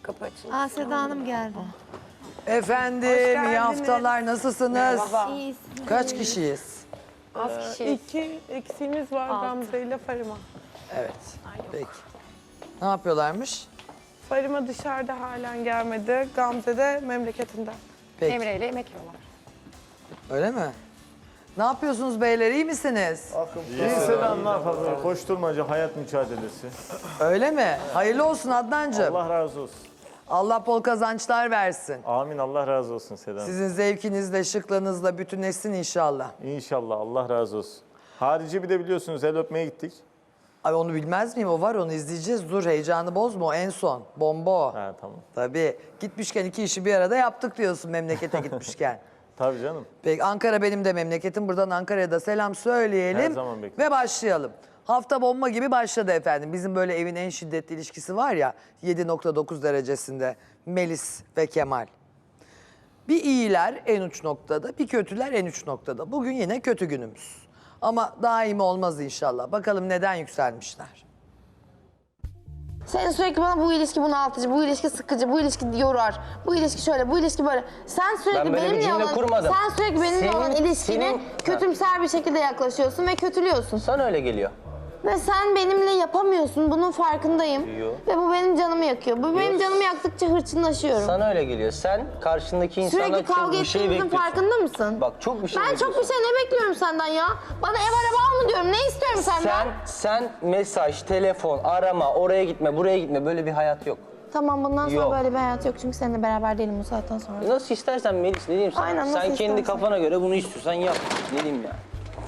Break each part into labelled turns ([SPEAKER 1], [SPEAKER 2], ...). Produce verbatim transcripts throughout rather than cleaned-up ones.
[SPEAKER 1] Kapı açıldı.
[SPEAKER 2] Aa, Seda Hanım geldi.
[SPEAKER 3] Efendim, iyi haftalar. Nasılsınız?
[SPEAKER 2] İyiyiz.
[SPEAKER 3] Kaç kişiyiz?
[SPEAKER 1] Az kişi.
[SPEAKER 4] İki eksiğimiz var Gamze ile Farima.
[SPEAKER 3] Evet. Peki. Ne yapıyorlarmış?
[SPEAKER 4] Farima dışarıda halen gelmedi. Gamze de memleketinden.
[SPEAKER 3] Peki.
[SPEAKER 1] Emre ile yemek yiyorlar.
[SPEAKER 3] Öyle mi? Ne yapıyorsunuz beyler? İyi misiniz?
[SPEAKER 5] İyi selam, ne yapalım? Koşturmaca, hayat mücadelesi.
[SPEAKER 3] Öyle mi? Hayırlı olsun Adnancığım. Allah,
[SPEAKER 5] Allah razı olsun.
[SPEAKER 3] bol kazançlar versin.
[SPEAKER 5] Amin, Allah razı olsun Selam.
[SPEAKER 3] Sizin zevkinizle, şıklığınızla bütünleşsin inşallah.
[SPEAKER 5] İnşallah, Allah razı olsun. Harici bir de biliyorsunuz el öpmeye gittik.
[SPEAKER 3] Ay onu bilmez miyim? O var, onu izleyeceğiz. Dur, heyecanı bozma, o en son. Bomba o.
[SPEAKER 5] Ha tamam.
[SPEAKER 3] Tabii. Gitmişken iki işi bir arada yaptık diyorsun memlekete gitmişken.
[SPEAKER 5] Tabii canım.
[SPEAKER 3] Peki Ankara benim de memleketim. Buradan Ankara'ya da selam söyleyelim.
[SPEAKER 5] Her zaman bekliyorum.
[SPEAKER 3] Ve başlayalım. Hafta bomba gibi başladı efendim. Bizim böyle evin en şiddetli ilişkisi var ya, yedi nokta dokuz derecesinde Melis ve Kemal. Bir iyiler en uç noktada, bir kötüler en uç noktada. Bugün yine kötü günümüz. Ama daimi olmaz inşallah. Bakalım neden yükselmişler.
[SPEAKER 2] Sen sürekli bana bu ilişki bunaltıcı, bu ilişki sıkıcı, bu ilişki yorar, bu ilişki şöyle, bu ilişki böyle. Sen sürekli
[SPEAKER 6] Ben böyle bir
[SPEAKER 2] benimle
[SPEAKER 6] cümle
[SPEAKER 2] olan,
[SPEAKER 6] kurmadım.
[SPEAKER 2] sen sürekli benimle
[SPEAKER 6] Senin-
[SPEAKER 2] olan ilişkine
[SPEAKER 6] senin-
[SPEAKER 2] kötümser bir şekilde yaklaşıyorsun ve kötülüyorsun.
[SPEAKER 6] Sana öyle geliyor.
[SPEAKER 2] Ve sen benimle yapamıyorsun, bunun farkındayım.
[SPEAKER 6] Yo.
[SPEAKER 2] Ve bu benim canımı yakıyor. Bu benim canımı yaktıkça hırçınlaşıyorum.
[SPEAKER 6] Sana öyle geliyor. Sen karşındaki insandan
[SPEAKER 2] Sürekli
[SPEAKER 6] çok
[SPEAKER 2] kavga
[SPEAKER 6] bir şey
[SPEAKER 2] ettiğimizin
[SPEAKER 6] bekliyorsun.
[SPEAKER 2] farkında mısın?
[SPEAKER 6] Bak çok bir şey
[SPEAKER 2] Ben çok
[SPEAKER 6] bekliyorsun.
[SPEAKER 2] bir şey ne bekliyorum senden ya? Bana ev araba al mı diyorum? Ne istiyorum senden?
[SPEAKER 6] Sen, sen mesaj, telefon, arama, oraya gitme, buraya gitme. Böyle bir hayat yok.
[SPEAKER 2] Tamam, bundan sonra
[SPEAKER 6] Yok.
[SPEAKER 2] böyle bir hayat yok çünkü seninle beraber değilim bu saatten sonra.
[SPEAKER 6] Nasıl istersen Melis, ne diyeyim sana?
[SPEAKER 2] Aynen, nasıl
[SPEAKER 6] sen kendi
[SPEAKER 2] istersen.
[SPEAKER 6] kafana göre bunu istiyorsan yap. Ne diyeyim ya?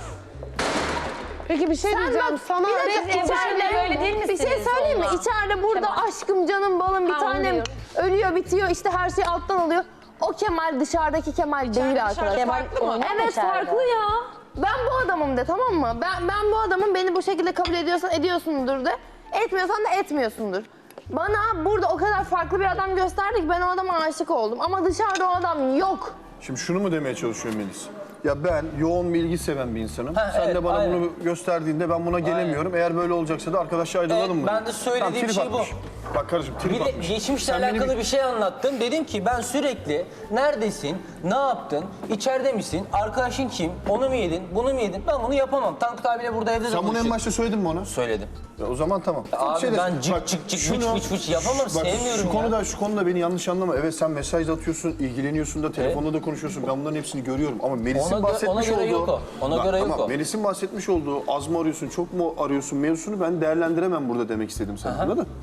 [SPEAKER 4] Peki bir şey diyeceğim. Sana
[SPEAKER 2] bir dakika,
[SPEAKER 4] Re-
[SPEAKER 2] içeride
[SPEAKER 1] böyle değil
[SPEAKER 2] bir şey
[SPEAKER 1] misiniz
[SPEAKER 2] söyleyeyim mi?
[SPEAKER 1] onunla?
[SPEAKER 2] İçeride burada aşkım, canım, balım bir
[SPEAKER 1] Ha, onu
[SPEAKER 2] tanem
[SPEAKER 1] diyorum.
[SPEAKER 2] ölüyor, bitiyor, işte her şey alttan alıyor. O Kemal dışarıdaki Kemal değil arkadaşlar.
[SPEAKER 1] Kemal farklı mı?
[SPEAKER 2] Evet, farklı ya. Ben bu adamım de, tamam mı? Ben ben bu adamım, beni bu şekilde kabul ediyorsan ediyorsundur de. Etmiyorsan da etmiyorsundur. Bana burada o kadar farklı bir adam gösterdi ki ben o adama aşık oldum. Ama dışarıda o adam yok.
[SPEAKER 7] Şimdi şunu mu demeye çalışıyor Melis? Ya ben yoğun bilgi seven bir insanım.
[SPEAKER 6] Ha,
[SPEAKER 7] Sen
[SPEAKER 6] evet,
[SPEAKER 7] de bana
[SPEAKER 6] aynen.
[SPEAKER 7] bunu gösterdiğinde ben buna gelemiyorum. Eğer böyle olacaksa da arkadaşla ayrılalım
[SPEAKER 6] Evet,
[SPEAKER 7] mı?
[SPEAKER 6] ben
[SPEAKER 7] dedim.
[SPEAKER 6] de söylediğim
[SPEAKER 7] trip
[SPEAKER 6] şey bu.
[SPEAKER 7] atmış. Bak kardeşim trip
[SPEAKER 6] Bir de
[SPEAKER 7] atmış.
[SPEAKER 6] geçmişle
[SPEAKER 7] Sen beni
[SPEAKER 6] alakalı bir şey anlattım. Dedim ki ben sürekli neredesin, ne yaptın, içeride misin, arkadaşın kim, onu mu yedin, bunu mu yedin? Ben bunu yapamam. Tankut abiyle burada evde de
[SPEAKER 7] Sen bunu en
[SPEAKER 6] konuştuk.
[SPEAKER 7] başta söyledin mi ona?
[SPEAKER 6] Söyledim.
[SPEAKER 7] Ya o zaman tamam.
[SPEAKER 6] Abi
[SPEAKER 7] Şeyde-
[SPEAKER 6] ben cık
[SPEAKER 7] bak,
[SPEAKER 6] cık cık
[SPEAKER 7] şunu-
[SPEAKER 6] vıç vıç vıç yapamam, sevmiyorum
[SPEAKER 7] şu
[SPEAKER 6] ya.
[SPEAKER 7] konuda, şu konuda beni yanlış anlama. Evet sen mesaj atıyorsun, ilgileniyorsun da, telefonda da konuşuyorsun. Ben bunların hepsini görüyorum. Ama Melis'in
[SPEAKER 6] Ona gö-
[SPEAKER 7] bahsetmiş
[SPEAKER 6] ona göre
[SPEAKER 7] olduğu...
[SPEAKER 6] yok o. Ona
[SPEAKER 7] Bak,
[SPEAKER 6] göre yok
[SPEAKER 7] ama
[SPEAKER 6] o.
[SPEAKER 7] Melis'in bahsetmiş olduğu az mı arıyorsun, çok mu arıyorsun mevzusunu ben değerlendiremem burada demek istedim sana. Anladın mı?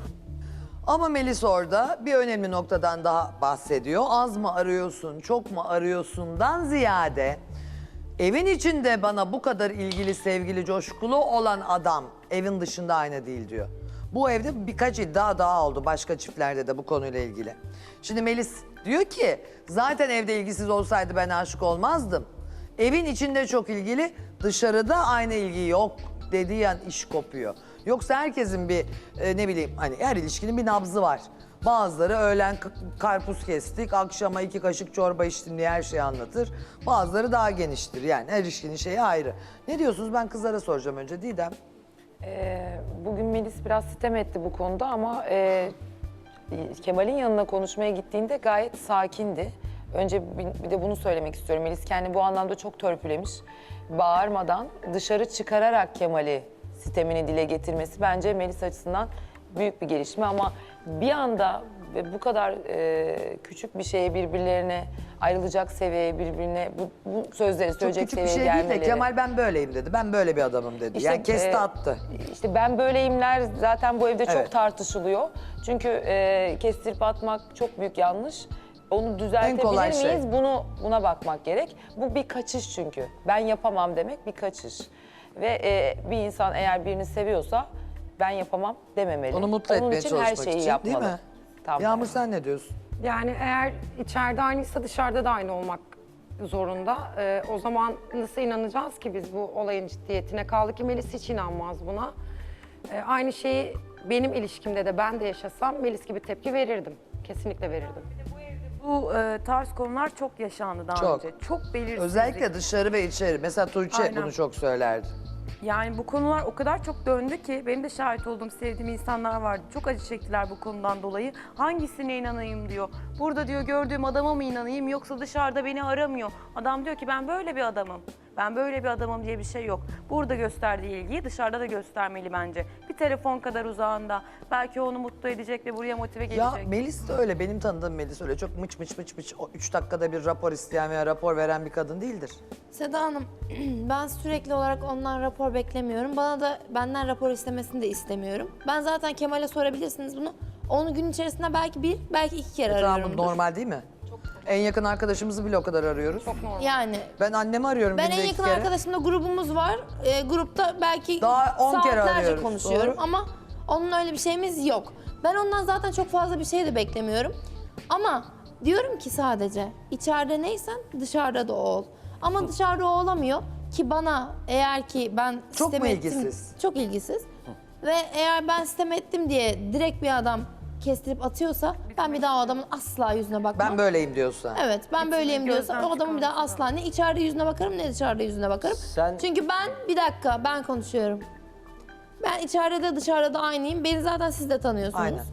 [SPEAKER 3] Ama Melis orada bir önemli noktadan daha bahsediyor. Az mı arıyorsun, çok mu arıyorsundan ziyade evin içinde bana bu kadar ilgili, sevgili, coşkulu olan adam evin dışında aynı değil diyor. Bu evde birkaç iddia daha oldu başka çiftlerde de bu konuyla ilgili. Şimdi Melis diyor ki zaten evde ilgisiz olsaydı ben aşık olmazdım. Evin içinde çok ilgili, dışarıda aynı ilgi yok dediği an iş kopuyor. Yoksa herkesin bir e, ne bileyim hani her ilişkinin bir nabzı var. Bazıları öğlen k- karpuz kestik, akşama iki kaşık çorba içtim diye her şeyi anlatır. Bazıları daha geniştir yani her ilişkinin şeyi ayrı. Ne diyorsunuz? Ben kızlara soracağım önce Didem.
[SPEAKER 1] Ee, bugün Melis biraz sitem etti bu konuda ama e, Kemal'in yanına konuşmaya gittiğinde gayet sakindi. Önce bir, bir de bunu söylemek istiyorum. Melis kendini bu anlamda çok törpülemiş. Bağırmadan dışarı çıkararak Kemal'i sitemini dile getirmesi bence Melis açısından büyük bir gelişme ama bir anda ve bu kadar e, küçük bir şeye birbirlerine ayrılacak seviyeye birbirine bu, bu sözleri
[SPEAKER 3] Çok
[SPEAKER 1] söyleyecek
[SPEAKER 3] küçük bir
[SPEAKER 1] seviyeye
[SPEAKER 3] şey değil de
[SPEAKER 1] gelmeleri.
[SPEAKER 3] Kemal ben böyleyim dedi. Ben böyle bir adamım dedi.
[SPEAKER 1] İşte,
[SPEAKER 3] yani kesti
[SPEAKER 1] e,
[SPEAKER 3] attı.
[SPEAKER 1] İşte ben böyleyimler zaten bu evde çok
[SPEAKER 3] Evet.
[SPEAKER 1] tartışılıyor. Çünkü e, kestirip atmak çok büyük yanlış. Onu düzeltebilir
[SPEAKER 3] kolay
[SPEAKER 1] miyiz?
[SPEAKER 3] şey.
[SPEAKER 1] Bunu buna bakmak gerek. Bu bir kaçış çünkü. Ben yapamam demek bir kaçış. Ve e, bir insan eğer birini seviyorsa ben yapamam dememeli.
[SPEAKER 3] Onu mutlu
[SPEAKER 1] Onun
[SPEAKER 3] etmeye
[SPEAKER 1] için
[SPEAKER 3] çalışmak
[SPEAKER 1] her şeyi
[SPEAKER 3] için
[SPEAKER 1] yapmalı.
[SPEAKER 3] değil mi?
[SPEAKER 1] Tam
[SPEAKER 3] Yağmur
[SPEAKER 1] tersi.
[SPEAKER 3] sen ne diyorsun?
[SPEAKER 8] Yani eğer içeride aynıysa dışarıda da aynı olmak zorunda. Ee, o zaman nasıl inanacağız ki biz bu olayın ciddiyetine? Kaldı ki Melis hiç inanmaz buna. Ee, aynı şeyi benim ilişkimde de ben de yaşasam Melis gibi tepki verirdim. Kesinlikle verirdim.
[SPEAKER 9] Bu e, tarz konular çok yaşandı daha
[SPEAKER 3] Çok.
[SPEAKER 9] önce. Çok belirsizlik.
[SPEAKER 3] Özellikle dışarı ve içeri. Mesela Tuğçe
[SPEAKER 9] Aynen.
[SPEAKER 3] bunu çok söylerdi.
[SPEAKER 9] Yani bu konular o kadar çok döndü ki benim de şahit olduğum, sevdiğim insanlar vardı. Çok acı çektiler bu konudan dolayı. Hangisine inanayım diyor. Burada diyor gördüğüm adama mı inanayım yoksa dışarıda beni aramıyor. Adam diyor ki ben böyle bir adamım. Ben böyle bir adamım diye bir şey yok. Burada gösterdiği ilgiyi dışarıda da göstermeli bence. Bir telefon kadar uzağında. Belki onu mutlu edecek ve buraya motive gelecek.
[SPEAKER 3] Ya Melis de öyle, benim tanıdığım Melis öyle çok mıç mıç mıç mıç o üç dakikada bir rapor isteyen veya rapor veren bir kadın değildir.
[SPEAKER 2] Seda Hanım, ben sürekli olarak ondan rapor beklemiyorum. Bana da benden rapor istemesini de istemiyorum. Ben zaten Kemal'e sorabilirsiniz bunu. Onu gün içerisinde belki bir, belki iki kere
[SPEAKER 3] Tamam, bu
[SPEAKER 2] arıyorumdur.
[SPEAKER 3] normal değil mi? En yakın arkadaşımızı bile o kadar arıyoruz.
[SPEAKER 2] Yani
[SPEAKER 3] Ben annemi arıyorum
[SPEAKER 2] ben
[SPEAKER 3] günde
[SPEAKER 2] en
[SPEAKER 3] iki
[SPEAKER 2] yakın
[SPEAKER 3] kere.
[SPEAKER 2] arkadaşımla grubumuz var. Ee, grupta belki
[SPEAKER 3] Daha on kere
[SPEAKER 2] saatlerce
[SPEAKER 3] arıyoruz,
[SPEAKER 2] konuşuyorum
[SPEAKER 3] doğru.
[SPEAKER 2] ama onun öyle bir şeyimiz yok. Ben ondan zaten çok fazla bir şey de beklemiyorum. Ama diyorum ki sadece içeride neysen dışarıda da o ol. Ama dışarıda o olamıyor ki bana eğer ki ben
[SPEAKER 3] Çok
[SPEAKER 2] sistem
[SPEAKER 3] mu
[SPEAKER 2] ettim-
[SPEAKER 3] ilgisiz?
[SPEAKER 2] Çok ilgisiz. Ve eğer ben sistem ettim diye direkt bir adam kestirip atıyorsa ben bir daha o adamın asla yüzüne bakmam.
[SPEAKER 3] Ben böyleyim diyorsa.
[SPEAKER 2] Evet, ben böyleyim diyorsa
[SPEAKER 9] gözden
[SPEAKER 2] o adamın bir daha asla ne içeride yüzüne bakarım ne dışarıda yüzüne bakarım.
[SPEAKER 6] Sen-
[SPEAKER 2] Çünkü ben, bir dakika ben konuşuyorum. Ben içeride de dışarıda da aynıyım. Beni zaten siz de tanıyorsunuz.
[SPEAKER 3] Aynen.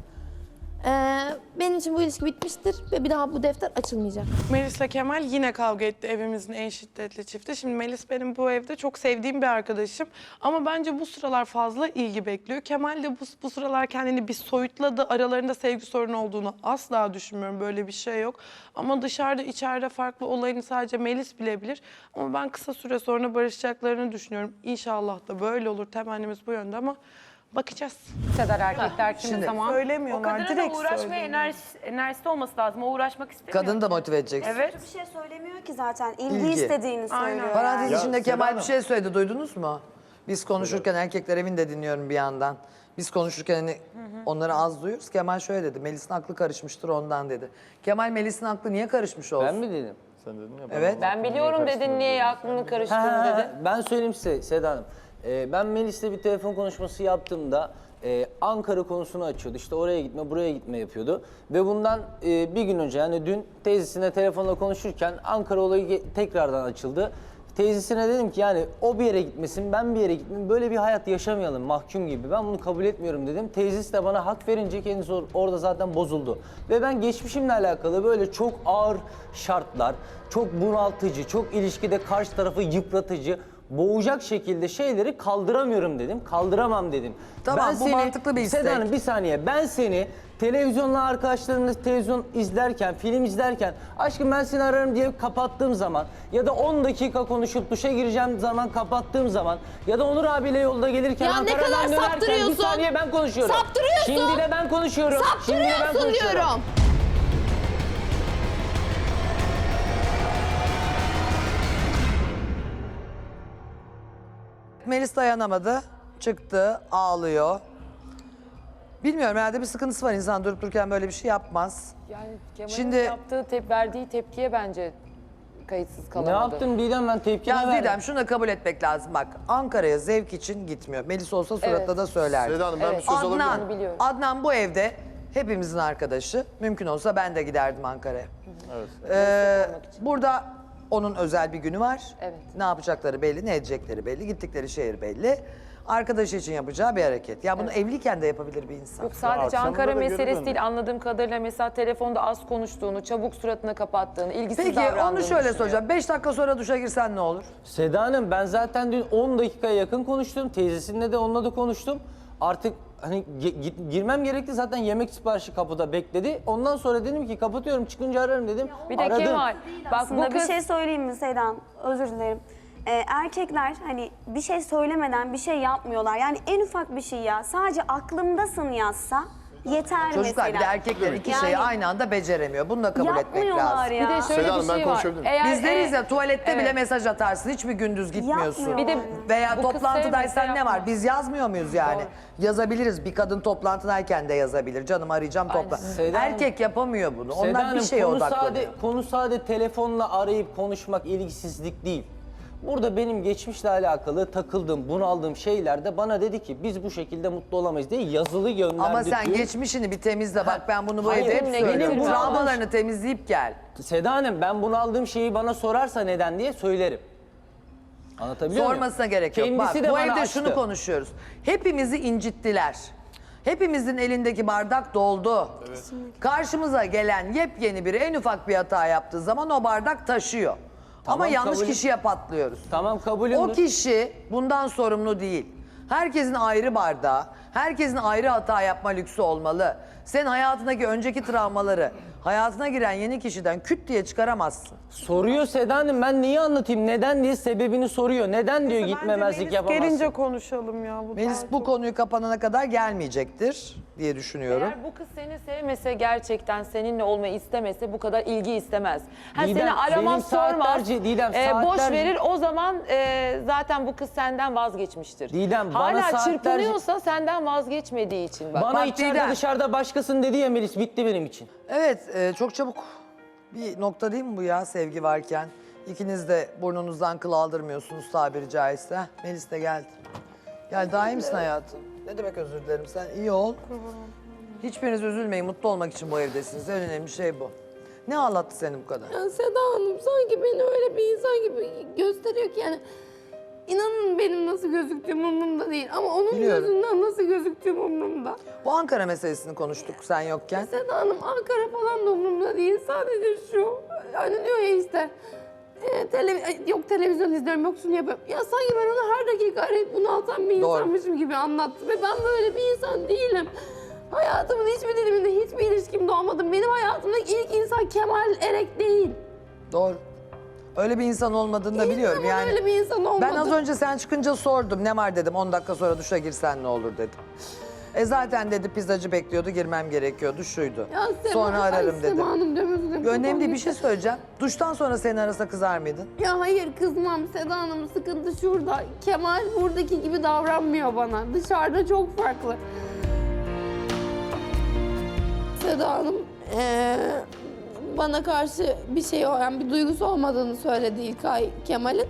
[SPEAKER 2] Ee, benim için bu ilişki bitmiştir ve bir daha bu defter açılmayacak.
[SPEAKER 4] Melis'le Kemal yine kavga etti, evimizin en şiddetli çifti. Şimdi Melis benim bu evde çok sevdiğim bir arkadaşım. Ama bence bu sıralar fazla ilgi bekliyor. Kemal de bu, bu sıralar kendini bir soyutladı. Aralarında sevgi sorunu olduğunu asla düşünmüyorum. Böyle bir şey yok. Ama dışarıda içeride farklı olayını sadece Melis bilebilir. Ama ben kısa süre sonra barışacaklarını düşünüyorum. İnşallah da böyle olur. Temennimiz bu yönde ama bakacağız.
[SPEAKER 8] Kadar erkekler kimi
[SPEAKER 3] Şimdi-
[SPEAKER 8] zaman
[SPEAKER 9] O
[SPEAKER 4] Söylemiyorlar,
[SPEAKER 9] kadının da
[SPEAKER 4] direkt
[SPEAKER 9] uğraşmaya
[SPEAKER 4] söylüyorlar.
[SPEAKER 9] enerjisi, enerjisi olması lazım. O uğraşmak istemiyor.
[SPEAKER 3] Kadını da motive edeceksin.
[SPEAKER 9] Evet.
[SPEAKER 10] Bir şey söylemiyor ki zaten. İlgi,
[SPEAKER 3] İlgi.
[SPEAKER 10] istediğini
[SPEAKER 4] Aynen.
[SPEAKER 10] söylüyor.
[SPEAKER 3] Parantez
[SPEAKER 5] Ya,
[SPEAKER 3] içinde
[SPEAKER 5] Seda
[SPEAKER 3] Kemal bir
[SPEAKER 5] Hanım.
[SPEAKER 3] şey söyledi, duydunuz mu? Biz konuşurken erkekler evinde dinliyorum bir yandan. Biz konuşurken hani onları az duyuyoruz. Kemal şöyle dedi, Melis'in aklı karışmıştır ondan dedi. Kemal Melis'in aklı niye karışmış olsun?
[SPEAKER 6] Ben mi dedim?
[SPEAKER 5] Sen dedin ya.
[SPEAKER 3] Evet.
[SPEAKER 1] Ben biliyorum dedin, niye aklını karıştırdın
[SPEAKER 6] Ha,
[SPEAKER 1] dedin.
[SPEAKER 6] ben söyleyeyim size Seda Hanım. Ee, ben Melis'le bir telefon konuşması yaptığımda e, Ankara konusunu açıyordu. İşte oraya gitme, buraya gitme yapıyordu. Ve bundan e, bir gün önce yani dün teyzesine telefonla konuşurken Ankara olayı ge- tekrardan açıldı. Teyzesine dedim ki yani o bir yere gitmesin, ben bir yere gitmeyeyim. Böyle bir hayat yaşamayalım mahkum gibi. Ben bunu kabul etmiyorum dedim. Teyzesi de bana hak verince kendisi or- orada zaten bozuldu. Ve ben geçmişimle alakalı böyle çok ağır şartlar, çok bunaltıcı, çok ilişkide karşı tarafı yıpratıcı, boğacak şekilde şeyleri kaldıramıyorum dedim. Kaldıramam dedim.
[SPEAKER 3] Tamam, bu mantıklı bir istek.
[SPEAKER 6] Seda Hanım, bir saniye. Ben seni televizyonla arkadaşlarımla televizyon izlerken, film izlerken aşkım ben seni ararım diye kapattığım zaman ya da on dakika konuşup duşa gireceğim zaman kapattığım zaman ya da Onur abiyle yolda gelirken
[SPEAKER 2] Ya ne
[SPEAKER 6] Ankara'dan
[SPEAKER 2] kadar
[SPEAKER 6] dönerken bir
[SPEAKER 2] saptırıyorsun?
[SPEAKER 6] saniye ben konuşuyorum.
[SPEAKER 2] Saptırıyorsun.
[SPEAKER 6] Şimdi de ben konuşuyorum. Şimdi de ben
[SPEAKER 2] Saptırıyorsun
[SPEAKER 6] konuşuyorum.
[SPEAKER 2] diyorum.
[SPEAKER 3] Melis dayanamadı, çıktı, ağlıyor. Bilmiyorum, herhalde bir sıkıntısı var. İnsan durup dururken böyle bir şey yapmaz.
[SPEAKER 1] Yani Kemal'in
[SPEAKER 3] Şimdi-
[SPEAKER 1] yaptığı, tep verdiği tepkiye bence kayıtsız
[SPEAKER 6] Ne
[SPEAKER 1] kalamadı.
[SPEAKER 6] yaptın Didem, ben tepki
[SPEAKER 3] Ya
[SPEAKER 6] verdim.
[SPEAKER 3] Didem, şunu da kabul etmek lazım. Bak, Ankara'ya zevk için gitmiyor. Melis olsa suratla
[SPEAKER 1] Evet.
[SPEAKER 3] da söylerdi.
[SPEAKER 7] Seda Hanım ben
[SPEAKER 1] Evet.
[SPEAKER 7] bir söz alabilir miyim?
[SPEAKER 3] Adnan,
[SPEAKER 1] Onu biliyorum.
[SPEAKER 3] Adnan bu evde hepimizin arkadaşı. Mümkün olsa ben de giderdim Ankara'ya.
[SPEAKER 5] Evet.
[SPEAKER 3] Ee, burada onun özel bir günü var.
[SPEAKER 1] Evet.
[SPEAKER 3] Ne yapacakları belli, ne edecekleri belli, gittikleri şehir belli. Arkadaşı için yapacağı bir hareket. Ya bunu evliyken de yapabilir bir insan.
[SPEAKER 1] Yok, sadece
[SPEAKER 5] akşamında
[SPEAKER 1] Ankara
[SPEAKER 5] da geri
[SPEAKER 1] meselesi
[SPEAKER 5] döndü.
[SPEAKER 1] değil, anladığım kadarıyla mesela telefonda az konuştuğunu, çabuk suratına kapattığını, ilgisiz
[SPEAKER 3] Peki
[SPEAKER 1] davrandığını
[SPEAKER 3] onu şöyle
[SPEAKER 1] düşünüyorum.
[SPEAKER 3] soracağım. Beş dakika sonra duşa girsen ne olur?
[SPEAKER 6] Seda Hanım, ben zaten dün on dakikaya yakın konuştum. Teyzesinle de onunla da konuştum. Artık hani ge- git- girmem gerekti, zaten yemek siparişi kapıda bekledi. Ondan sonra dedim ki kapatıyorum, çıkınca ararım dedim.
[SPEAKER 1] Bir de
[SPEAKER 6] Aradım.
[SPEAKER 1] Kemal, bak bu
[SPEAKER 10] Aslında bir
[SPEAKER 1] kız...
[SPEAKER 10] şey söyleyeyim mi Sedan? Özür dilerim. Ee, erkekler hani bir şey söylemeden bir şey yapmıyorlar. Yani en ufak bir şey ya. Sadece aklımdasın yazsa yeter
[SPEAKER 3] Çocuklar bir de
[SPEAKER 10] mesela.
[SPEAKER 3] erkekler iki
[SPEAKER 10] Yani
[SPEAKER 3] şeyi aynı anda beceremiyor. Bunu da kabul etmek
[SPEAKER 10] Yapmıyorlar
[SPEAKER 3] lazım.
[SPEAKER 10] ya.
[SPEAKER 1] Bir de şöyle
[SPEAKER 7] Seda Hanım,
[SPEAKER 1] bir
[SPEAKER 7] ben
[SPEAKER 1] şey var.
[SPEAKER 7] konuşabilir miyim?
[SPEAKER 1] Eğer,
[SPEAKER 3] Biz deriz
[SPEAKER 1] e,
[SPEAKER 3] ya tuvalette bile
[SPEAKER 1] evet.
[SPEAKER 3] mesaj atarsın. Hiçbir gündüz gitmiyorsun.
[SPEAKER 10] Yapmıyor.
[SPEAKER 1] Bir de
[SPEAKER 3] Veya
[SPEAKER 1] bu kız
[SPEAKER 3] toplantıdaysan
[SPEAKER 1] sevmese
[SPEAKER 3] ne var?
[SPEAKER 1] yapmaz.
[SPEAKER 3] Biz yazmıyor muyuz yani? Yazabiliriz. Bir kadın toplantıdayken de yazabilir. Canım arayacağım topla.
[SPEAKER 6] Seda Hanım-
[SPEAKER 3] Erkek yapamıyor bunu.
[SPEAKER 6] Seda
[SPEAKER 3] Onlar bir
[SPEAKER 6] Hanım,
[SPEAKER 3] şeye
[SPEAKER 6] konu
[SPEAKER 3] odaklanıyor.
[SPEAKER 6] sade, konu sade telefonla arayıp konuşmak ilgisizlik değil. Burada benim geçmişle alakalı takıldığım, bunaldığım şeylerde bana dedi ki biz bu şekilde mutlu olamayız diye yazılı gönderdi.
[SPEAKER 3] Ama sen
[SPEAKER 6] diyor.
[SPEAKER 3] geçmişini bir temizle. Bak ben bunu bu
[SPEAKER 6] Hayır,
[SPEAKER 3] evde hep
[SPEAKER 6] benim
[SPEAKER 3] söylüyorum.
[SPEAKER 6] bunu
[SPEAKER 3] Travmalarını temizleyip gel.
[SPEAKER 6] Seda Hanım, ben bunu aldığım şeyi bana sorarsa neden diye söylerim. Anlatabiliyor muyum?
[SPEAKER 3] Sormasına gerek yok.
[SPEAKER 6] Kendisi
[SPEAKER 3] Bak
[SPEAKER 6] de
[SPEAKER 3] bu
[SPEAKER 6] bana
[SPEAKER 3] evde
[SPEAKER 6] açtı.
[SPEAKER 3] şunu konuşuyoruz. Hepimizi incittiler. Hepimizin elindeki bardak doldu. Karşımıza gelen yepyeni biri en ufak bir hata yaptığı zaman o bardak taşıyor.
[SPEAKER 6] Tamam,
[SPEAKER 3] Ama yanlış
[SPEAKER 6] kabul-
[SPEAKER 3] kişiye patlıyoruz.
[SPEAKER 6] Tamam kabulümdür.
[SPEAKER 3] O kişi bundan sorumlu değil. Herkesin ayrı bardağı, herkesin ayrı hata yapma lüksü olmalı. Sen hayatındaki önceki travmaları hayatına giren yeni kişiden küt diye çıkaramazsın.
[SPEAKER 6] Soruyor Seda Hanım, ben neyi anlatayım? Neden diye sebebini soruyor. Neden diyor
[SPEAKER 4] Bence
[SPEAKER 6] gitmemezlik
[SPEAKER 4] Melis
[SPEAKER 6] yapamazsın?
[SPEAKER 4] gelince konuşalım ya. Bu
[SPEAKER 3] Melis
[SPEAKER 4] daha
[SPEAKER 3] bu
[SPEAKER 4] çok-
[SPEAKER 3] konuyu kapanana kadar gelmeyecektir diye düşünüyorum.
[SPEAKER 1] Eğer bu kız seni sevmese, gerçekten seninle olmayı istemese bu kadar ilgi istemez. Ha,
[SPEAKER 6] Didem,
[SPEAKER 1] seni aramaz,
[SPEAKER 6] benim
[SPEAKER 1] sormaz,
[SPEAKER 6] saatlerce- Didem,
[SPEAKER 1] e, boş
[SPEAKER 6] saatlerce-
[SPEAKER 1] verir. O zaman e, zaten bu kız senden vazgeçmiştir.
[SPEAKER 6] Didem, bana
[SPEAKER 1] Hala
[SPEAKER 6] saatlerce-
[SPEAKER 1] çırpınıyorsa senden vazgeçmediği için. Bak.
[SPEAKER 6] Bana
[SPEAKER 3] Bak
[SPEAKER 6] içeride
[SPEAKER 3] Didem.
[SPEAKER 6] dışarıda başkasın dedi ya Melis, bitti benim için.
[SPEAKER 3] Evet, e, çok çabuk bir nokta değil mi bu ya sevgi varken? İkiniz de burnunuzdan kıl aldırmıyorsunuz tabiri caizse. Heh, Melis de geldi. Gel, daha iyi misin hayatım? Ne demek özür dilerim, sen iyi ol. Hiçbiriniz üzülmeyin, mutlu olmak için bu evdesiniz. En önemli şey bu. Ne ağlattı seni bu kadar?
[SPEAKER 2] Ya Seda Hanım sanki beni öyle bir insan gibi gösteriyor ki yani inanın benim nasıl gözüktüğüm umurumda değil ama onun
[SPEAKER 3] Biliyorum.
[SPEAKER 2] gözünden nasıl gözüktüğüm umurumda.
[SPEAKER 3] Bu Ankara meselesini konuştuk sen yokken.
[SPEAKER 2] Seda Hanım Ankara falan da umurumda değil sadece şu hani diyor ya işte e, tele, yok televizyon izliyorum yok şunu yapıyorum. Ya sanki ben onu her dakika arayıp bunu alsam bir
[SPEAKER 3] Doğru.
[SPEAKER 2] insanmışım gibi anlattı ve ben böyle bir insan değilim. Hayatımın hiçbir diliminde hiçbir ilişkimde olmadım. Benim hayatımdaki ilk insan Kemal Erek değil.
[SPEAKER 3] Doğru. Öyle bir insan olmadığını da
[SPEAKER 2] Hiçbir
[SPEAKER 3] biliyorum
[SPEAKER 2] zaman
[SPEAKER 3] yani.
[SPEAKER 2] öyle bir insan olmadı.
[SPEAKER 3] Ben az önce sen çıkınca sordum. Ne var dedim. on dakika sonra duşa girsen ne olur dedim. E zaten dedi pizzacı bekliyordu, girmem gerekiyordu, şuydu.
[SPEAKER 2] Ya Sema,
[SPEAKER 3] Sonra
[SPEAKER 2] ay
[SPEAKER 3] ararım dedim.
[SPEAKER 2] Sema Hanım diyorum, özür dilerim.
[SPEAKER 3] Önemli değil, bir
[SPEAKER 2] Kafam
[SPEAKER 3] şey söyleyeceğim. Duştan sonra seni arasa kızar mıydın?
[SPEAKER 2] Ya hayır kızmam Seda Hanım, sıkıntı şurada. Kemal buradaki gibi davranmıyor bana. Dışarıda çok farklı. Seda Hanım eee, bana karşı bir şey yani bir duygusu olmadığını söyledi İlkay Kemal'in.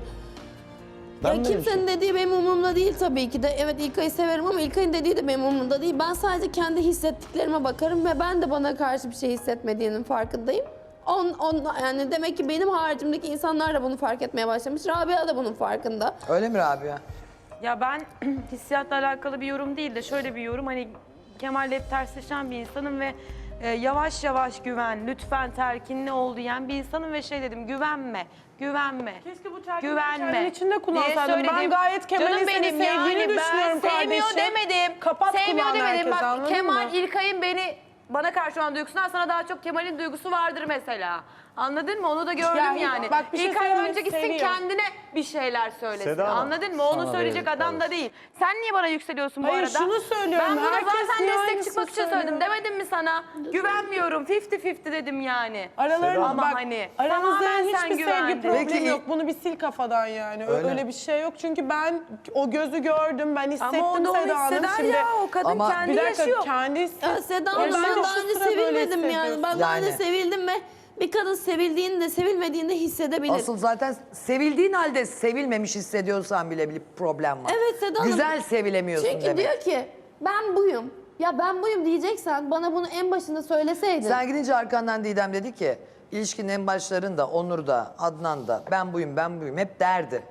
[SPEAKER 6] Ben
[SPEAKER 2] Ya
[SPEAKER 6] böyle bir
[SPEAKER 2] kimsenin dediği benim umurumda değil tabii ki de. Evet İlkay'ı severim ama İlkay'ın dediği de benim umurumda değil. Ben sadece kendi hissettiklerime bakarım ve ben de bana karşı bir şey hissetmediğinin farkındayım. On, on, yani demek ki benim haricimdeki insanlar da bunu fark etmeye başlamış. Rabia da bunun farkında.
[SPEAKER 3] Öyle mi Rabia?
[SPEAKER 9] Ya ben hissiyatla alakalı bir yorum değil de şöyle bir yorum. Hani Kemal'le hep tersleşen bir insanım ve e, yavaş yavaş güven, lütfen telkinli ol diyen bir insanım ve şey dedim, güvenme, güvenme,
[SPEAKER 4] Keşke bu telkini
[SPEAKER 9] güvenme
[SPEAKER 4] kendin içinde
[SPEAKER 9] diye
[SPEAKER 4] kullansaydın. Ben
[SPEAKER 9] söyledim.
[SPEAKER 4] gayet Kemal'in
[SPEAKER 9] Canım
[SPEAKER 4] seni
[SPEAKER 9] benim
[SPEAKER 4] sevdiğini
[SPEAKER 9] yani,
[SPEAKER 4] düşünüyorum
[SPEAKER 9] ben sevmiyor
[SPEAKER 4] kardeşim.
[SPEAKER 9] demedim.
[SPEAKER 4] Kapat
[SPEAKER 9] sevmiyor
[SPEAKER 4] kulağını
[SPEAKER 9] demedim.
[SPEAKER 4] herkese,
[SPEAKER 9] Bak
[SPEAKER 4] anladın
[SPEAKER 9] Kemal
[SPEAKER 4] mı?
[SPEAKER 9] İlkay'ın beni bana karşı olan duygusundan sana daha çok Kemal'in duygusu vardır mesela. Anladın mı? Onu da gördüm
[SPEAKER 4] Ya,
[SPEAKER 9] yani.
[SPEAKER 4] bak bir şey
[SPEAKER 9] İlkay
[SPEAKER 4] söyleyeyim,
[SPEAKER 9] önce gitsin
[SPEAKER 4] seviyor.
[SPEAKER 9] kendine bir şeyler söylesin.
[SPEAKER 5] Seda Hanım,
[SPEAKER 9] Anladın mı? Onu
[SPEAKER 6] sana
[SPEAKER 9] söyleyecek
[SPEAKER 6] verelim,
[SPEAKER 9] adam da değil. Sen niye bana yükseliyorsun bu
[SPEAKER 4] Hayır,
[SPEAKER 9] arada?
[SPEAKER 4] şunu söylüyorum,
[SPEAKER 9] Ben buna
[SPEAKER 4] herkes
[SPEAKER 9] zaten
[SPEAKER 4] niye
[SPEAKER 9] destek
[SPEAKER 4] aynısını
[SPEAKER 9] çıkmak için
[SPEAKER 4] söylüyor?
[SPEAKER 9] söyledim. Demedim mi sana? Güvenmiyorum. elli elli dedim yani.
[SPEAKER 4] Aralarında
[SPEAKER 9] Ama
[SPEAKER 4] bak,
[SPEAKER 9] hani
[SPEAKER 4] aramızda
[SPEAKER 9] tamamen
[SPEAKER 4] hiçbir
[SPEAKER 9] sen
[SPEAKER 4] sevgi
[SPEAKER 9] güvendin.
[SPEAKER 4] problemi
[SPEAKER 3] Peki-
[SPEAKER 4] yok. Bunu bir sil kafadan yani. Ö-
[SPEAKER 3] Öyle.
[SPEAKER 4] Öyle, bir şey yok. Çünkü ben o gözü gördüm, ben hissettim
[SPEAKER 9] Ama onu o
[SPEAKER 4] Seda Hanım.
[SPEAKER 9] hisseder
[SPEAKER 4] Şimdi
[SPEAKER 9] ya. O kadın
[SPEAKER 3] Ama-
[SPEAKER 9] kendi
[SPEAKER 4] bir dakika
[SPEAKER 9] yaşıyor.
[SPEAKER 4] kendi hisset.
[SPEAKER 2] Ya Seda
[SPEAKER 4] Ya
[SPEAKER 2] Hanım
[SPEAKER 4] ben
[SPEAKER 2] ben
[SPEAKER 4] de
[SPEAKER 2] daha
[SPEAKER 4] şu
[SPEAKER 2] önce
[SPEAKER 4] sıra böyle
[SPEAKER 2] sevilmedim yani.
[SPEAKER 4] hissediyorum.
[SPEAKER 2] Ben daha önce
[SPEAKER 3] Yani.
[SPEAKER 2] sevildim ve bir kadın sevildiğini de sevilmediğini de hissedebilir.
[SPEAKER 3] Asıl zaten sevildiğin halde sevilmemiş hissediyorsan bile bir problem var.
[SPEAKER 2] Evet Seda Hanım.
[SPEAKER 3] Güzel sevilemiyorsun
[SPEAKER 2] Çünkü
[SPEAKER 3] demek.
[SPEAKER 2] diyor ki ben buyum. Ya ben buyum diyeceksen bana bunu en başında söyleseydin.
[SPEAKER 3] Sen gidince arkandan Didem dedi ki ilişkinin en başlarında Onur da Adnan da ben buyum ben buyum hep derdi.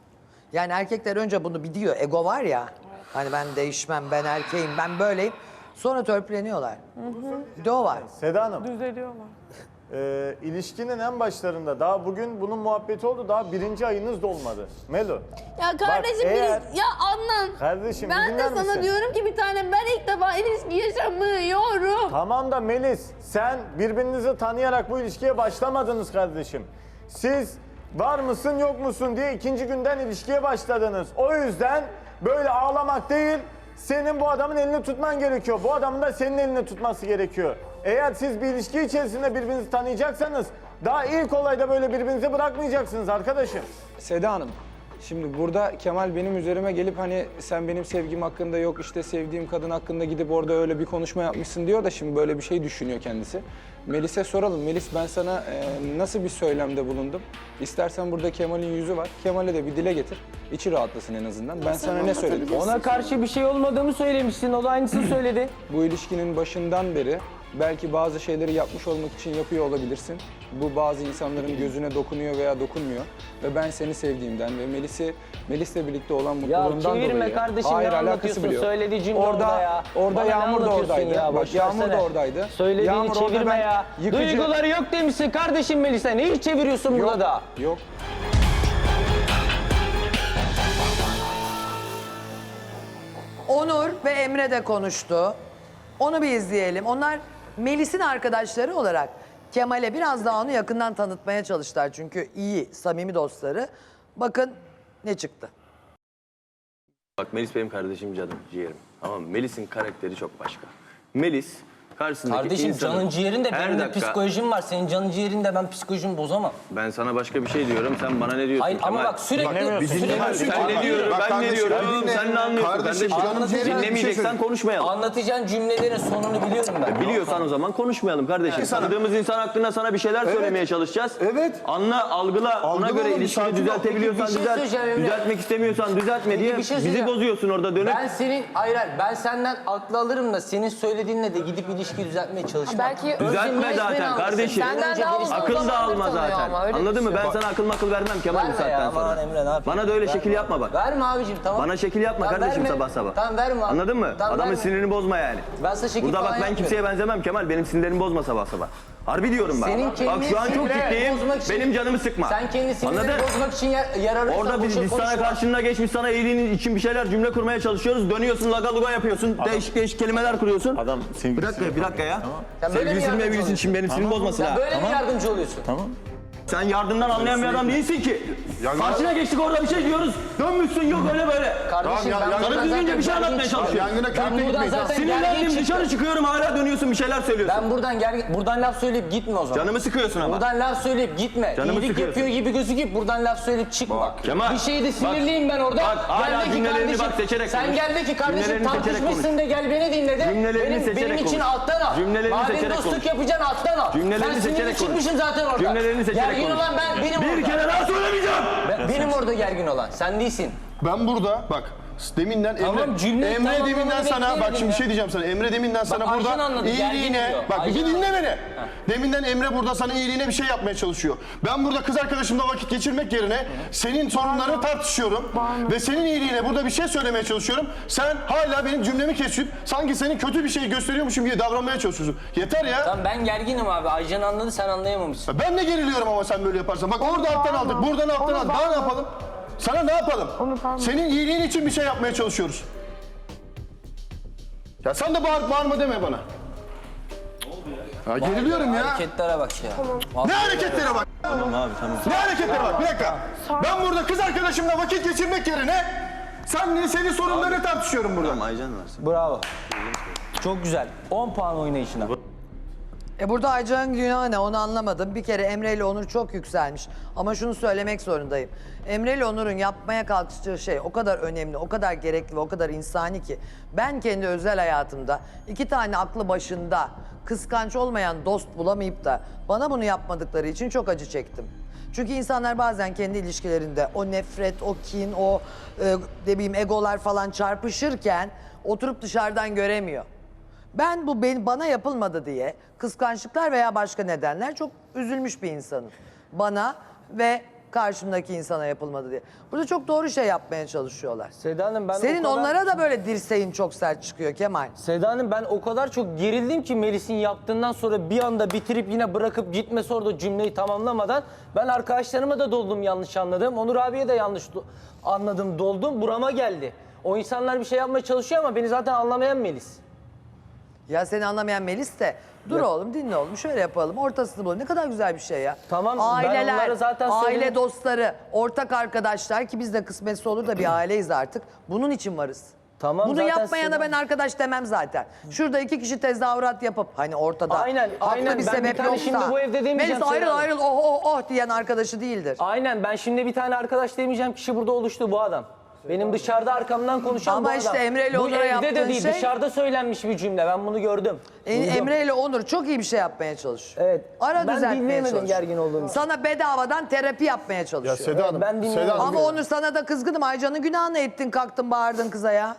[SPEAKER 3] Yani erkekler önce bunu biliyor. Ego var ya. Hani ben değişmem, ben erkeğim, ben böyleyim. Sonra törpüleniyorlar. Bir de o var.
[SPEAKER 5] Seda Hanım,
[SPEAKER 4] Düzeliyorlar.
[SPEAKER 5] e, ilişkinin en başlarında daha bugün bunun muhabbeti oldu. Daha birinci ayınız dolmadı. Melo.
[SPEAKER 2] Ya kardeşim
[SPEAKER 5] Bak, eğer-
[SPEAKER 2] biri- ya Adnan.
[SPEAKER 5] Kardeşim,
[SPEAKER 2] ben de
[SPEAKER 5] dinler
[SPEAKER 2] sana
[SPEAKER 5] misin?
[SPEAKER 2] diyorum ki bir tane ben ilk defa ilişki yaşamıyorum.
[SPEAKER 5] Tamam da Melis, sen birbirinizi tanıyarak bu ilişkiye başlamadınız kardeşim. Siz var mısın yok musun diye ikinci günden ilişkiye başladınız. O yüzden böyle ağlamak değil, senin bu adamın elini tutman gerekiyor. Bu adamın da senin elini tutması gerekiyor. Eğer siz bir ilişki içerisinde birbirinizi tanıyacaksanız daha ilk olayda böyle birbirinizi bırakmayacaksınız arkadaşım.
[SPEAKER 11] Seda Hanım, şimdi burada Kemal benim üzerime gelip hani sen benim sevgim hakkında yok işte sevdiğim kadın hakkında gidip orada öyle bir konuşma yapmışsın diyor da şimdi böyle bir şey düşünüyor kendisi. Melis'e soralım. Melis, ben sana e, nasıl bir söylemde bulundum? İstersen burada Kemal'in yüzü var. Kemal'e de bir dile getir. İçi rahatlasın en azından. Ben sana ne söyledim?
[SPEAKER 6] Ona karşı bir şey olmadığımı söylemişsin. O da aynısını söyledi.
[SPEAKER 11] Bu ilişkinin başından beri belki bazı şeyleri yapmış olmak için yapıyor olabilirsin. Bu bazı insanların gözüne dokunuyor veya dokunmuyor. Ve ben seni sevdiğimden ve Melis'i Melis'le birlikte olan
[SPEAKER 6] Ya
[SPEAKER 11] mutluluğundan dolayı...
[SPEAKER 6] çevirme kardeşim,
[SPEAKER 11] Hayır,
[SPEAKER 6] ne
[SPEAKER 11] alakası
[SPEAKER 6] anlatıyorsun?
[SPEAKER 11] bile yok.
[SPEAKER 6] Söylediği cümle
[SPEAKER 11] orada,
[SPEAKER 6] orada ya.
[SPEAKER 11] Orada
[SPEAKER 6] Bana ne
[SPEAKER 11] Yağmur da
[SPEAKER 6] anlatıyorsun
[SPEAKER 11] oradaydı.
[SPEAKER 6] ya?
[SPEAKER 11] Bak,
[SPEAKER 6] Boş
[SPEAKER 11] Yağmur
[SPEAKER 6] versene.
[SPEAKER 11] da oradaydı.
[SPEAKER 6] Söylediğini
[SPEAKER 11] Yağmur orada
[SPEAKER 6] çevirme
[SPEAKER 11] ben
[SPEAKER 6] ya.
[SPEAKER 11] yıkıcı-
[SPEAKER 6] Duyguları yok demişsin kardeşim Melis'e. Neyi çeviriyorsun
[SPEAKER 11] Yok,
[SPEAKER 6] burada da?
[SPEAKER 11] Yok.
[SPEAKER 3] Onur ve Emre de konuştu. Onu bir izleyelim. Onlar Melis'in arkadaşları olarak Kemal'e biraz daha onu yakından tanıtmaya çalıştılar. Çünkü iyi, samimi dostları. Bakın ne çıktı.
[SPEAKER 12] Bak Melis benim kardeşim, canım, ciğerim. Tamam mı? Melis'in karakteri çok başka. Melis karşısındaki
[SPEAKER 6] Kardeşim
[SPEAKER 12] insanın...
[SPEAKER 6] canın ciğerin de
[SPEAKER 12] Her
[SPEAKER 6] benim de
[SPEAKER 12] dakika-
[SPEAKER 6] psikolojim var. Senin canın ciğerin de ben psikolojimi bozamam.
[SPEAKER 12] Ben sana başka bir şey diyorum, sen bana ne diyorsun
[SPEAKER 6] Hayır ama
[SPEAKER 12] Kemal?
[SPEAKER 6] bak sürekli...
[SPEAKER 7] Biz
[SPEAKER 6] sürekli
[SPEAKER 7] dinlemiyoruz.
[SPEAKER 12] Sen ne diyorum,
[SPEAKER 7] Bak
[SPEAKER 12] ben ne
[SPEAKER 7] kardeşim,
[SPEAKER 12] diyorum,
[SPEAKER 7] dinle.
[SPEAKER 12] sen ne anlıyorsun
[SPEAKER 7] Kardeşim,
[SPEAKER 12] kardeşim?
[SPEAKER 7] canım ciğerim, bir şey
[SPEAKER 12] Dinlemeyeceksen
[SPEAKER 7] söyle.
[SPEAKER 12] konuşmayalım.
[SPEAKER 6] Anlatacağın cümlelerin sonunu biliyorum ben.
[SPEAKER 12] Biliyorsan o zaman konuşmayalım kardeşim.
[SPEAKER 7] sana-
[SPEAKER 12] Tanıdığımız insan hakkında sana bir şeyler söylemeye çalışacağız.
[SPEAKER 7] Evet.
[SPEAKER 12] Anla, algıla, ona
[SPEAKER 7] Algıla
[SPEAKER 12] göre
[SPEAKER 7] oğlum,
[SPEAKER 12] ilişkini
[SPEAKER 7] sakin ol.
[SPEAKER 12] düzeltebiliyorsan
[SPEAKER 6] Peki, bir şey
[SPEAKER 12] düzelt.
[SPEAKER 6] söyleyeceğim Emre.
[SPEAKER 12] Düzeltmek istemiyorsan düzeltme diye
[SPEAKER 6] bir şey
[SPEAKER 12] bizi
[SPEAKER 6] söyleyeceğim.
[SPEAKER 12] bozuyorsun orada dönüp.
[SPEAKER 6] Ben senin, hayır hayır, ben senden aklı alırım da senin söylediğinle de gidip ilişki düzeltmeye çalışmam.
[SPEAKER 1] Belki
[SPEAKER 6] Özlem
[SPEAKER 12] Düzeltme
[SPEAKER 6] Melis beni
[SPEAKER 12] zaten
[SPEAKER 6] anlasın.
[SPEAKER 12] kardeşim.
[SPEAKER 6] Senden
[SPEAKER 1] Senden daha uzun
[SPEAKER 12] Akıl da
[SPEAKER 1] zamandır
[SPEAKER 12] alma
[SPEAKER 1] tanıyor
[SPEAKER 12] zaten.
[SPEAKER 1] ama, öyle
[SPEAKER 12] Anladın mı? Ben
[SPEAKER 1] düşünüyorum.
[SPEAKER 12] sana akıl makıl vermem Kemal bu
[SPEAKER 6] Verme
[SPEAKER 12] saatten
[SPEAKER 6] ya,
[SPEAKER 12] sonra.
[SPEAKER 6] aman Emre, ne yapayım?
[SPEAKER 12] Bana da öyle
[SPEAKER 6] Verme
[SPEAKER 12] şekil
[SPEAKER 6] abi.
[SPEAKER 12] yapma bak.
[SPEAKER 6] Verme abicim, tamam.
[SPEAKER 12] Bana şekil yapma
[SPEAKER 6] Tamam,
[SPEAKER 12] kardeşim
[SPEAKER 6] verme.
[SPEAKER 12] sabah sabah.
[SPEAKER 6] Tamam, verme abi.
[SPEAKER 12] Anladın mı?
[SPEAKER 6] Tamam,
[SPEAKER 12] Adamın
[SPEAKER 6] verme.
[SPEAKER 12] sinirini bozma yani.
[SPEAKER 6] Ben sana şekil
[SPEAKER 12] Burada bak
[SPEAKER 6] falan
[SPEAKER 12] ben
[SPEAKER 6] yapmıyorum.
[SPEAKER 12] kimseye benzemem Kemal. Benim sinirlerimi bozma sabah sabah. Harbi diyorum bak.
[SPEAKER 6] Senin
[SPEAKER 12] Bak
[SPEAKER 6] kendini
[SPEAKER 12] şu an çok
[SPEAKER 6] sinirleri
[SPEAKER 12] ciddiyim.
[SPEAKER 6] bozmak için-
[SPEAKER 12] Benim canımı sıkma.
[SPEAKER 6] Sen kendi sinirlerini
[SPEAKER 12] Anladın?
[SPEAKER 6] bozmak için yer, yer arıyorsan
[SPEAKER 12] Orada biz,
[SPEAKER 6] boşa
[SPEAKER 12] biz sana
[SPEAKER 6] konuşma.
[SPEAKER 12] karşına geçmiş, sana iyiliğin için bir şeyler cümle kurmaya çalışıyoruz. Dönüyorsun, laga luga yapıyorsun. Değişik değişik kelimeler kuruyorsun.
[SPEAKER 5] Adam
[SPEAKER 12] Bir dakika, bir dakika ya.
[SPEAKER 6] Sen böyle mi
[SPEAKER 12] Sevgilisinin
[SPEAKER 6] yardımcı
[SPEAKER 12] mevgilisin için benim sinirimi bozmasın
[SPEAKER 6] Sen
[SPEAKER 12] ha.
[SPEAKER 6] böyle mi yardımcı oluyorsun?
[SPEAKER 12] Sen yardımdan anlayan bir adam değilsin ki.
[SPEAKER 7] Yangın-
[SPEAKER 12] Karşına geçtik orada bir şey diyoruz. Dönmüşsün yok öyle böyle.
[SPEAKER 6] Kardeşim
[SPEAKER 7] Tamam, ya-
[SPEAKER 6] ben
[SPEAKER 7] ya-
[SPEAKER 6] buradan
[SPEAKER 12] Sana düzgünce
[SPEAKER 6] zaten
[SPEAKER 12] bir şey
[SPEAKER 6] gergin
[SPEAKER 12] anlatmaya
[SPEAKER 6] çıkıyorum.
[SPEAKER 12] çalışıyorum.
[SPEAKER 7] Yangına
[SPEAKER 6] Ben
[SPEAKER 7] körükle
[SPEAKER 6] buradan
[SPEAKER 7] gitmeyiz.
[SPEAKER 6] zaten gergin
[SPEAKER 12] Sinirlendim
[SPEAKER 6] çıktım.
[SPEAKER 12] dışarı çıkıyorum hala dönüyorsun bir şeyler söylüyorsun.
[SPEAKER 6] Ben buradan gergin, buradan laf söyleyip gitme o zaman.
[SPEAKER 12] Canımı sıkıyorsun ama.
[SPEAKER 6] Buradan laf söyleyip gitme.
[SPEAKER 12] Canımı
[SPEAKER 6] İyilik
[SPEAKER 12] sıkıyorsun.
[SPEAKER 6] yapıyor gibi gözüküp buradan laf söyleyip çıkma.
[SPEAKER 12] Kemal,
[SPEAKER 6] bir şeyde
[SPEAKER 12] bak,
[SPEAKER 6] sinirliyim ben orada.
[SPEAKER 12] bak, hala
[SPEAKER 6] Gel de ki
[SPEAKER 12] cümlelerini
[SPEAKER 6] kardeşim,
[SPEAKER 12] bak seçerek
[SPEAKER 6] sen
[SPEAKER 12] konuş.
[SPEAKER 6] gel de ki kardeşim
[SPEAKER 12] Cümlelerini seçerek
[SPEAKER 6] tartışmışsın
[SPEAKER 12] konuş.
[SPEAKER 6] de gel beni dinle de.
[SPEAKER 12] Cümlelerini
[SPEAKER 6] benim,
[SPEAKER 12] seçerek
[SPEAKER 6] benim için
[SPEAKER 12] konuş.
[SPEAKER 6] alttan al.
[SPEAKER 12] Cümlelerini
[SPEAKER 6] Madem
[SPEAKER 12] seçerek
[SPEAKER 6] dostluk
[SPEAKER 12] konuş.
[SPEAKER 6] yapacaksın alttan al.
[SPEAKER 12] Cümlelerini
[SPEAKER 6] ben sinirli
[SPEAKER 12] seçerek konuş.
[SPEAKER 6] çıkmışım zaten orada.
[SPEAKER 12] Cümlelerini seçerek
[SPEAKER 6] Gergin
[SPEAKER 12] konuş.
[SPEAKER 6] olan ben, benim
[SPEAKER 12] Bir
[SPEAKER 6] orada.
[SPEAKER 12] kere daha söylemeyeceğim.
[SPEAKER 6] Ben- benim orada gergin olan. Sen değilsin.
[SPEAKER 7] Ben burada bak deminden
[SPEAKER 6] Tamam,
[SPEAKER 7] Emre,
[SPEAKER 6] cümleyi
[SPEAKER 7] Emre
[SPEAKER 6] tamamlamanı
[SPEAKER 7] deminden sana bak
[SPEAKER 6] bekleyelim
[SPEAKER 7] şimdi bir
[SPEAKER 6] ya.
[SPEAKER 7] şey diyeceğim sana. Emre deminden sana
[SPEAKER 6] Ayşen
[SPEAKER 7] burada
[SPEAKER 6] anladı, gergin
[SPEAKER 7] iyiliğine
[SPEAKER 6] diyor.
[SPEAKER 7] bak bir
[SPEAKER 6] Ayşen
[SPEAKER 7] dinle beni. Deminden Emre burada sana iyiliğine bir şey yapmaya çalışıyor. Ben burada kız arkadaşımla vakit geçirmek yerine senin sorunlarını tartışıyorum ve senin iyiliğine burada bir şey söylemeye çalışıyorum. Sen hala benim cümlemi kesip sanki senin kötü bir şey gösteriyormuşum gibi davranmaya çalışıyorsun. Yeter ya.
[SPEAKER 6] Tamam ben gerginim abi. Aycan anladı, sen anlayamamışsın.
[SPEAKER 7] Ben de geriliyorum ama sen böyle yaparsan. Bak orada alttan aldık, buradan alttan aldık. Daha ne yapalım? Sana ne yapalım? Senin iyiliğin için bir şey yapmaya çalışıyoruz. Ya sen de bağır, bağırma deme bana. Ya geriliyorum ya.
[SPEAKER 6] Hareketlere bak ya.
[SPEAKER 7] Ne hareketlere bak?
[SPEAKER 12] Tamam abi tamam.
[SPEAKER 7] Ne hareketlere bak? Bir dakika. Ben burada kız arkadaşımla vakit geçirmek yerine sen senin sorunlarını tartışıyorum burada.
[SPEAKER 12] Tamam Aycan varsın.
[SPEAKER 6] Bravo. Çok güzel. on puan oynayışına.
[SPEAKER 3] E burada Aycan'ın günahı ne onu anlamadım. Bir kere Emre ile Onur çok yükselmiş. Ama şunu söylemek zorundayım. Emre ile Onur'un yapmaya kalkıştığı şey o kadar önemli, o kadar gerekli ve o kadar insani ki. Ben kendi özel hayatımda iki tane aklı başında kıskanç olmayan dost bulamayıp da bana bunu yapmadıkları için çok acı çektim. Çünkü insanlar bazen kendi ilişkilerinde o nefret, o kin, o e, ne bileyim egolar falan çarpışırken oturup dışarıdan göremiyor. Ben bu ben, bana yapılmadı diye kıskançlıklar veya başka nedenler çok üzülmüş bir insanım. Bana ve karşımdaki insana yapılmadı diye. Burada çok doğru şey yapmaya çalışıyorlar.
[SPEAKER 6] Seda Hanım ben
[SPEAKER 3] Senin
[SPEAKER 6] o kadar...
[SPEAKER 3] onlara da böyle dirseğin çok sert çıkıyor Kemal.
[SPEAKER 6] Seda Hanım ben o kadar çok gerildim ki Melis'in yaptığından sonra bir anda bitirip yine bırakıp gitmesi orada cümleyi tamamlamadan ben arkadaşlarıma da doldum yanlış anladım. Onur abiye de yanlış do- anladım doldum burama geldi. O insanlar bir şey yapmaya çalışıyor ama beni zaten anlamayan Melis.
[SPEAKER 3] Ya seni anlamayan Melis de dur oğlum dinle oğlum şöyle yapalım ortasını bulalım. Ne kadar güzel bir şey ya.
[SPEAKER 6] Tamam, ben
[SPEAKER 3] Aileler,
[SPEAKER 6] onlara zaten
[SPEAKER 3] aile
[SPEAKER 6] söyledim.
[SPEAKER 3] dostları, ortak arkadaşlar ki biz de kısmetse olur da bir aileyiz artık. Bunun için varız.
[SPEAKER 6] Tamam,
[SPEAKER 3] Bunu
[SPEAKER 6] zaten
[SPEAKER 3] yapmayana
[SPEAKER 6] Seda-
[SPEAKER 3] ben arkadaş demem zaten. Şurada iki kişi tezahürat yapıp hani ortada
[SPEAKER 6] Aynen,
[SPEAKER 3] haklı
[SPEAKER 6] aynen.
[SPEAKER 3] bir
[SPEAKER 6] Ben bir
[SPEAKER 3] sebep
[SPEAKER 6] tane
[SPEAKER 3] yoksa.
[SPEAKER 6] şimdi bu evde demeyeceğim
[SPEAKER 3] Melis ayrıl
[SPEAKER 6] Seda Hanım.
[SPEAKER 3] ayrıl oh oh oh diyen arkadaşı değildir.
[SPEAKER 6] Aynen ben şimdi bir tane arkadaş demeyeceğim kişi burada oluştu bu adam. Benim dışarıda arkamdan konuşan
[SPEAKER 3] Ama
[SPEAKER 6] bu
[SPEAKER 3] işte
[SPEAKER 6] adam.
[SPEAKER 3] Emre ile
[SPEAKER 6] Bu
[SPEAKER 3] Onur'a
[SPEAKER 6] evde
[SPEAKER 3] yaptığın
[SPEAKER 6] de değil,
[SPEAKER 3] şey-
[SPEAKER 6] dışarıda söylenmiş bir cümle. Ben bunu gördüm.
[SPEAKER 3] E,
[SPEAKER 6] Duydum.
[SPEAKER 3] Emre ile Onur çok iyi bir şey yapmaya çalışıyor.
[SPEAKER 6] Evet.
[SPEAKER 3] Ara
[SPEAKER 6] Ben
[SPEAKER 3] düzeltmeye
[SPEAKER 6] dinleyemedim
[SPEAKER 3] çalışıyor.
[SPEAKER 6] gergin olduğum için.
[SPEAKER 3] Sana bedavadan terapi yapmaya çalışıyor.
[SPEAKER 7] Ya Seda Hanım,
[SPEAKER 6] ben dinliyorum.
[SPEAKER 7] Seda Hanım,
[SPEAKER 3] Ama Onur sana da kızgınım. Aycan'ın günahını ettin, kalktın, bağırdın kıza ya.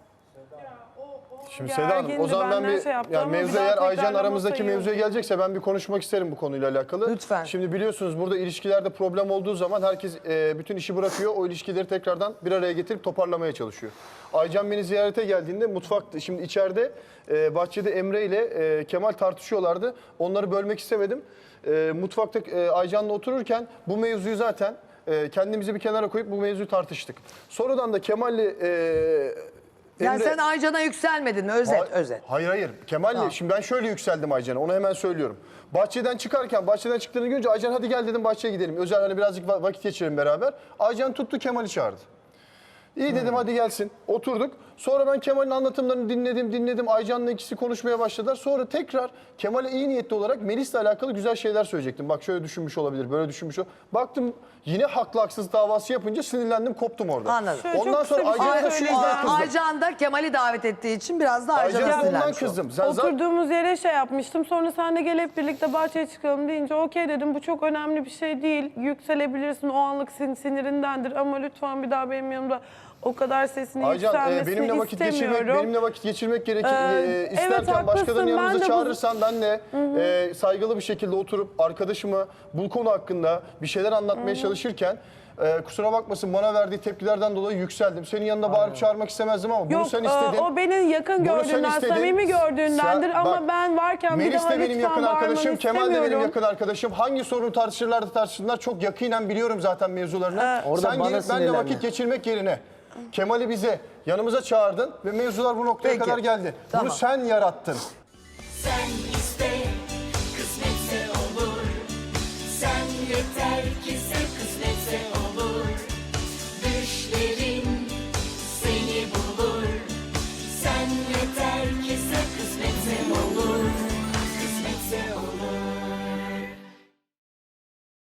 [SPEAKER 7] Şimdi Seda Hanım, o
[SPEAKER 4] Gergindi,
[SPEAKER 7] zaman ben
[SPEAKER 4] benden
[SPEAKER 7] bir,
[SPEAKER 4] şey yaptı
[SPEAKER 7] yani
[SPEAKER 4] ama bir
[SPEAKER 7] mevzu
[SPEAKER 4] daha
[SPEAKER 7] eğer Aycan
[SPEAKER 4] tekrarlama
[SPEAKER 7] aramızdaki
[SPEAKER 4] sayıyorum.
[SPEAKER 7] mevzuya gelecekse ben bir konuşmak isterim bu konuyla alakalı.
[SPEAKER 3] Lütfen.
[SPEAKER 7] Şimdi biliyorsunuz burada ilişkilerde problem olduğu zaman herkes e, bütün işi bırakıyor. O ilişkileri tekrardan bir araya getirip toparlamaya çalışıyor. Aycan beni ziyarete geldiğinde mutfakta, şimdi içeride e, bahçede Emre ile e, Kemal tartışıyorlardı. Onları bölmek istemedim. E, mutfakta e, Aycan'la otururken bu mevzuyu zaten e, kendimizi bir kenara koyup bu mevzuyu tartıştık. Sonradan da Kemal'le e,
[SPEAKER 3] Yani
[SPEAKER 7] Emre-
[SPEAKER 3] sen Aycan'a yükselmedin mi? Özet,
[SPEAKER 7] Ha-
[SPEAKER 3] özet.
[SPEAKER 7] Hayır hayır. Kemal'le
[SPEAKER 3] Tamam.
[SPEAKER 7] şimdi ben şöyle yükseldim Aycan'a. Onu hemen söylüyorum. Bahçeden çıkarken, bahçeden çıktığını görünce Aycan hadi gel dedim bahçeye gidelim. Özel hani birazcık va- vakit geçirelim beraber. Aycan tuttu Kemal'i çağırdı. İyi dedim hadi gelsin. Oturduk. Sonra ben Kemal'in anlatımlarını dinledim, dinledim. Aycan'la ikisi konuşmaya başladılar. Sonra tekrar Kemal'e iyi niyetli olarak Melis'le alakalı güzel şeyler söyleyecektim. Bak şöyle düşünmüş olabilir, böyle düşünmüş olabilir. Baktım yine haklı haksız davası yapınca sinirlendim, koptum orada.
[SPEAKER 3] Anladım.
[SPEAKER 4] Şöyle
[SPEAKER 7] Ondan
[SPEAKER 4] çok
[SPEAKER 7] sonra
[SPEAKER 4] kısa bir şey
[SPEAKER 7] Aycan'a da şu yüzden
[SPEAKER 4] söyleyeceğim.
[SPEAKER 7] kızdım.
[SPEAKER 3] Aycan da Kemal'i davet ettiği için biraz da Aycan'a
[SPEAKER 7] Aycan'a bundan
[SPEAKER 3] sinirlenmiş oldu.
[SPEAKER 7] kızdım. Sen zaten-
[SPEAKER 4] Oturduğumuz yere şey yapmıştım. Sonra sen de gel hep birlikte bahçeye çıkalım deyince okey dedim. Bu çok önemli bir şey değil. Yükselebilirsin. O anlık sin sinirindendir. Ama lütfen bir daha benim yanımda o kadar sesini
[SPEAKER 7] Aycan e,
[SPEAKER 4] yükselmesini
[SPEAKER 7] benimle vakit
[SPEAKER 4] istemiyorum.
[SPEAKER 7] geçirmek benimle vakit geçirmek gerekir.
[SPEAKER 4] Ee,
[SPEAKER 7] e,
[SPEAKER 4] evet,
[SPEAKER 7] isterken
[SPEAKER 4] haklısın.
[SPEAKER 7] başkalarının
[SPEAKER 4] Ben
[SPEAKER 7] yanınıza
[SPEAKER 4] de bu-
[SPEAKER 7] çağırırsan ben de e, saygılı bir şekilde oturup arkadaşıma bu konu hakkında bir şeyler anlatmaya çalışırken e, kusura bakmasın bana verdiği tepkilerden dolayı yükseldim. Senin yanında bağırıp çağırmak istemezdim ama bunu
[SPEAKER 4] Yok,
[SPEAKER 7] sen
[SPEAKER 4] e,
[SPEAKER 7] istedin.
[SPEAKER 4] o beni yakın
[SPEAKER 7] Bunu sen
[SPEAKER 4] gördüğünden,
[SPEAKER 7] istedin.
[SPEAKER 4] samimi gördüğündendir
[SPEAKER 7] Sen-
[SPEAKER 4] ama
[SPEAKER 7] bak,
[SPEAKER 4] ben varken bir
[SPEAKER 7] Melis
[SPEAKER 4] daha
[SPEAKER 7] de benim
[SPEAKER 4] lütfen
[SPEAKER 7] yakın arkadaşım,
[SPEAKER 4] bağırmanı
[SPEAKER 7] Kemal de benim
[SPEAKER 4] istemiyorum.
[SPEAKER 7] yakın arkadaşım. Hangi sorunu tartışırlardı tartışsınlar çok yakinen biliyorum zaten mevzularını.
[SPEAKER 6] Orada
[SPEAKER 7] Sen
[SPEAKER 6] bana
[SPEAKER 7] gelip benimle
[SPEAKER 6] sinirlendi.
[SPEAKER 7] vakit geçirmek yerine Kemal'i bize yanımıza çağırdın ve mevzular bu noktaya
[SPEAKER 3] Peki.
[SPEAKER 7] kadar geldi.
[SPEAKER 3] Tamam.
[SPEAKER 7] Bunu sen yarattın.
[SPEAKER 13] Sen iste, kısmetse olur. Sen yeter ki sev.